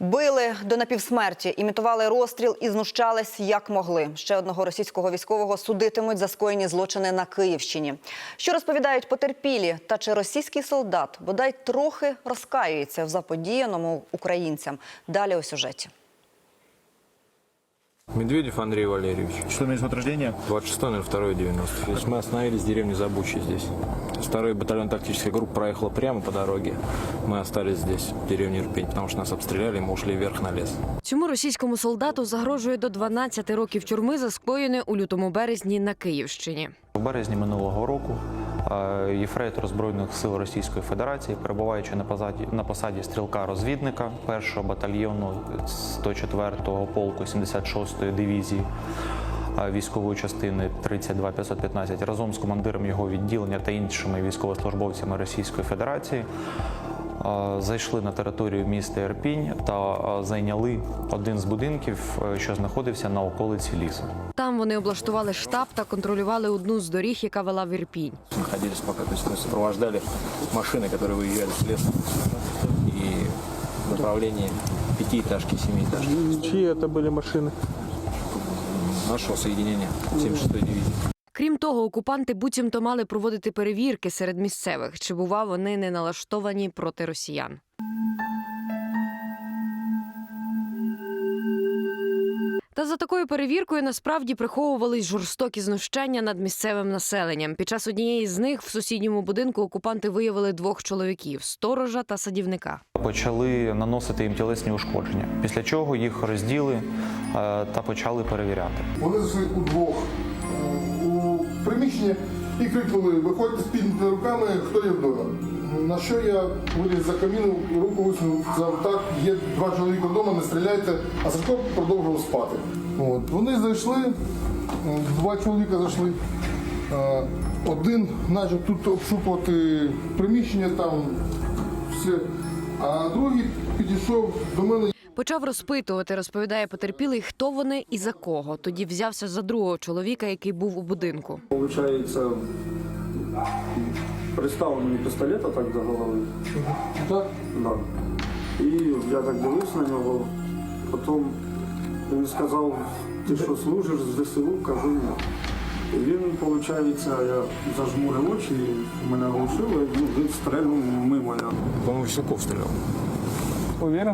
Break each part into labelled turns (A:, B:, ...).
A: Били до напівсмерті, імітували розстріл і знущались як могли. Ще одного російського військового судитимуть за скоєні злочини на Київщині. Що розповідають потерпілі? Та чи російський солдат бодай трохи розкаюється в заподіяному українцям? Далі у сюжеті.
B: Медведев Андрей Валерьевич.
C: Что месяц год рождения?
B: 26.02.90. То есть мы остановились в деревне Забучье здесь. Второй батальон тактической группы проехал прямо по дороге. Мы остались здесь, в деревне Ирпень, потому что нас обстреляли, мы ушли вверх на лес.
D: Цьому російському солдату загрожує до 12 років тюрми за скоєне у лютому-березні на Київщині.
E: У березні минулого року єфрейтор Збройних сил Російської Федерації, перебуваючи на посаді стрілка-розвідника 1-го батальйону 104-го полку 76-ї дивізії військової частини 32515, разом з командиром його відділення та іншими військовослужбовцями Російської Федерації зайшли на територію міста Ірпінь та зайняли один з будинків, що знаходився на околиці лісу.
D: Там вони облаштували штаб та контролювали одну з доріг, яка вела в Ірпінь.
B: Находились пока, то есть мы сопровождали машины, которые выезжали с леса. И в направлении 5-этажки, 7-этажки.
F: Чьи это были машины?
B: Нашего соединения 76-й дивизии.
D: Крім того, окупанти буцімто мали проводити перевірки серед місцевих, чи, бува, вони не налаштовані проти росіян. Та за такою перевіркою насправді приховувались жорстокі знущання над місцевим населенням. Під час однієї з них в сусідньому будинку окупанти виявили 2 чоловіків – сторожа та садівника.
E: Почали наносити їм тілесні ушкодження, після чого їх розділи та почали перевіряти.
G: Вони зайшли удвох у приміщення і крикнули: "Виходьте з піднятими руками, хто є вдома". На що я виліз за каміну, руку висунув, сказав: "Так, є 2 чоловіка вдома, не стріляйте", а Сашко продовжував спати. От. Вони зайшли, 2 чоловіка зайшли, один почав тут обшукувати приміщення, там все, а другий підійшов до мене.
D: Почав розпитувати, розповідає потерпілий, хто вони і за кого. Тоді взявся за другого чоловіка, який був у будинку.
F: Получается, приставил мені пістолет так до голови.
G: Так?
F: Да. І я так дивився на нього. Потім він сказав: "Ти що, служиш з ЗСУ?" Кажу: "Ні". І він, виходить, я зажмурив очі, мене глушило, і він стрельнув мимо.
B: По-моему, Веселков стрелял.
F: Уверен?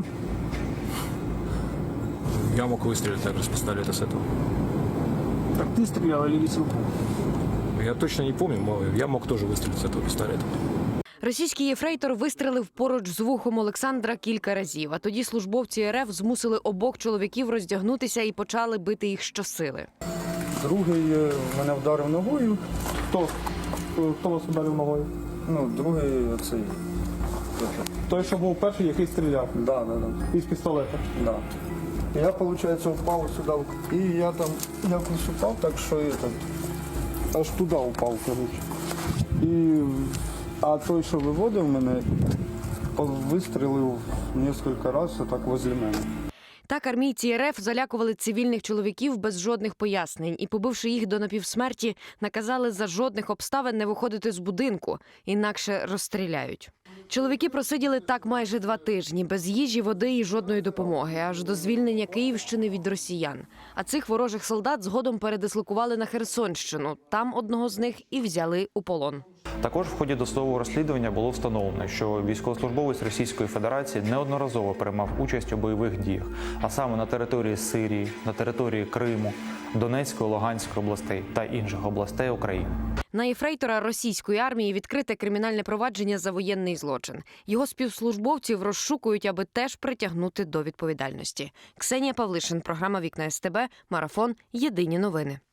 B: Я мог выстрелить также с пистолета с этого.
F: Так ти стріляв, или Веселков?
B: Я точно не помню, но я мог тоже выстрелить с этого пистолета.
D: Російський єфрейтор вистрелив поруч з вухом Олександра кілька разів, а тоді службовці РФ змусили обох чоловіків роздягнутися і почали бити їх щосили.
F: Другий мене вдарив ногою. Хто вас ударив ногою?
H: Ну, другий цей.
F: Той, що був перший, який стріляв.
H: Да.
F: Із пістолета.
H: Да. Я, виходить, впав сюди, і я там якось упав, так що аж туди упав, коротше.
F: А той, що виводив мене, вистрілив кілька разів так возле мене.
D: Так армійці РФ залякували цивільних чоловіків без жодних пояснень і, побивши їх до напівсмерті, наказали за жодних обставин не виходити з будинку, інакше розстріляють. Чоловіки просиділи так майже 2 тижні, без їжі, води і жодної допомоги, аж до звільнення Київщини від росіян. А цих ворожих солдат згодом передислокували на Херсонщину. Там одного з них і взяли у полон.
E: Також в ході досудового розслідування було встановлено, що військовослужбовець Російської Федерації неодноразово приймав участь у бойових діях, а саме на території Сирії, на території Криму, Донецької, Луганської областей та інших областей України.
D: На єфрейтора російської армії відкрите кримінальне провадження за воєнний злочин. Його співслужбовців розшукують, аби теж притягнути до відповідальності. Ксенія Павлишин, програма «Вікна СТБ», Марафон, Єдині новини.